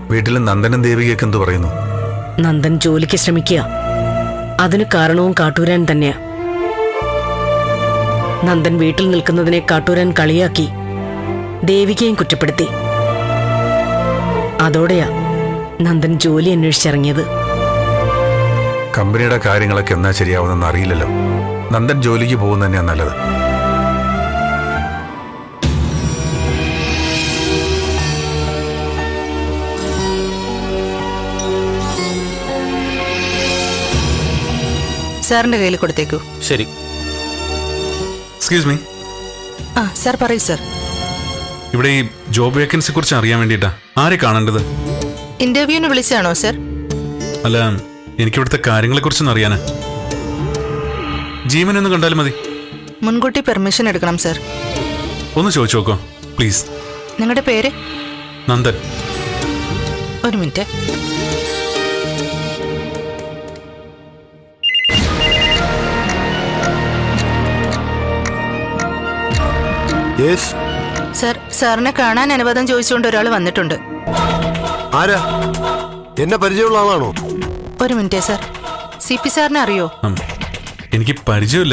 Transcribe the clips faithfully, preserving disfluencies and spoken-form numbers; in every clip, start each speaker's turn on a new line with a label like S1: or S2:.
S1: വീട്ടിൽ നന്ദനും ദേവികയൊക്കെ എന്ത് പറയുന്നു?
S2: നന്ദൻ ജോലിക്ക് ശ്രമിക്കുക. അതിന് കാരണവും കാട്ടൂരാൻ തന്നെയാ. നന്ദൻ വീട്ടിൽ നിൽക്കുന്നതിനെ കാട്ടൂരാൻ കളിയാക്കി ദേവികയും കുറ്റപ്പെടുത്തി. അതോടെയാ നന്ദൻ ജോലി അന്വേഷിച്ചിറങ്ങിയത്.
S1: കമ്പനിയുടെ കാര്യങ്ങളൊക്കെ എന്നാ ശരിയാവുന്നെന്ന് അറിയില്ലല്ലോ. നന്ദൻ ജോലിക്ക് പോകുന്ന തന്നെയാ നല്ലത്.
S3: സാറിന്റെ കയ്യിൽ കൊടുത്തേക്കൂ.
S4: ശരി.
S5: Excuse me.
S3: ആ സാർ പറയൂ സാർ.
S5: ഇവിടെ ഈ ജോബ് വേക്കൻസിയെ കുറിച്ച് അറിയാൻ വേണ്ടിയിട്ടാ. ആരെ കാണേണ്ടത്?
S3: ഇന്റർവ്യൂവിന് വിളിച്ചാണോ സാർ?
S5: അല്ല, എനിക്കിവിടുത്തെ കാര്യങ്ങളെ കുറിച്ചൊന്നും അറിയാനാ. ജീവനൊന്ന് കണ്ടാലും മതി.
S3: മുൻകൂട്ടി പെർമിഷൻ എടുക്കണം സാർ.
S5: ഒന്ന് ചോദിച്ചു നോക്കോ പ്ലീസ്.
S3: നിങ്ങളുടെ പേര്?
S5: നന്ദൻ.
S3: ഒരു മിനിറ്റ്. സാർ, സാറിനെ കാണാൻ അനുവാദം ചോദിച്ചുകൊണ്ട് ഒരാൾ വന്നിട്ടുണ്ട്.
S6: ആരാ? എന്നെ പരിചയമുള്ള ആളാണോ?
S3: ഒരു മിനിറ്റ് സാർ. സി പി സാറിനെ അറിയോ?
S5: എനിക്ക് പരിചയമില്ല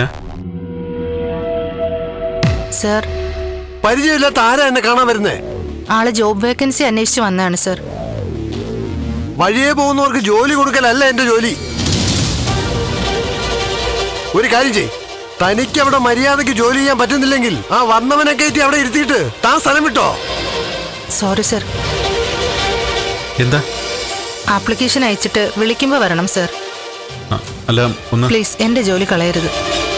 S3: സാർ.
S6: പരിചയമില്ലാത്ത ആരാ എന്നെ കാണാൻ വരുന്നേ?
S3: ആള് ജോബ് വേക്കൻസി അന്വേഷിച്ച് വന്നതാണ് സാർ.
S6: വഴിയെ പോകുന്നവർക്ക് ജോലി കൊടുക്കലല്ല എന്റെ ജോലി. ഒരു കാര്യം ചെയ്, തനിക്ക് അവിടെ മര്യാദക്ക് ജോലി ചെയ്യാൻ പറ്റുന്നില്ലെങ്കിൽ ആ വന്നവനെ കയറ്റി അവിടെ ഇരുത്തിയിട്ട് താൻ സ്ഥലം വിട്ടോ.
S3: Sorry sir.
S5: എന്താ?
S3: ആപ്ലിക്കേഷൻ അയച്ചിട്ട് വിളിക്കുമ്പോ വരണം സാർ.
S5: അല്ല, ഒന്ന്
S3: പ്ലീസ് എന്റെ ജോലി കളയരുത്.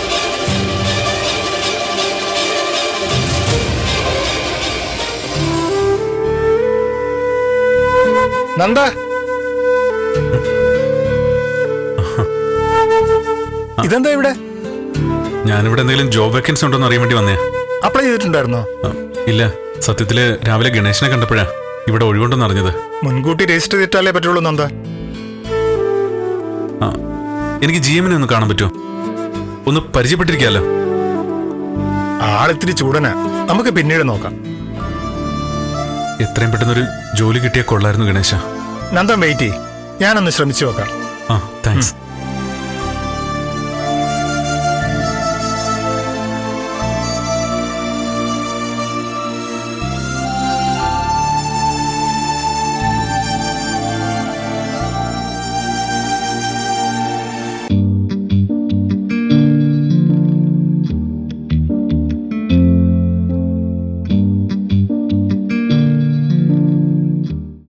S7: നന്ദ, ഇതെന്താ ഇവിടെ?
S5: ഞാനിവിടെ എന്തെങ്കിലും ജോബ് വേക്കൻസി ഉണ്ടോന്ന് അറിയാൻ വേണ്ടി വന്നേ.
S7: അപ്ലൈ ചെയ്തിട്ടുണ്ടായിരുന്നോ?
S5: ഇല്ല, സത്യത്തില് രാവിലെ ഗണേശനെ കണ്ടപ്പോഴാ ഇവിടെ ഒഴിവുണ്ടെന്ന് അറിഞ്ഞത്.
S7: മുൻകൂട്ടി രജിസ്റ്റർ ചെയ്തിട്ടാലേ പറ്റുള്ളൂ നന്ദ.
S5: ആ, എനിക്ക് ജിഎമ്മിനെ ഒന്ന് കാണാൻ പറ്റുമോ? ഒന്ന് പരിചയപ്പെട്ടിരിക്കാലോ.
S7: ആളിത്തിരി ചൂടനാ, നമുക്ക് പിന്നീട് നോക്കാം.
S5: എത്രയും പെട്ടെന്നൊരു ജോലി കിട്ടിയാൽ കൊള്ളായിരുന്നു ഗണേശ.
S7: നന്ദൻ വെയിറ്റ് ചെയ്യ്, ഞാനൊന്ന് ശ്രമിച്ചു നോക്കാം.
S5: ആ, താങ്ക്സ്.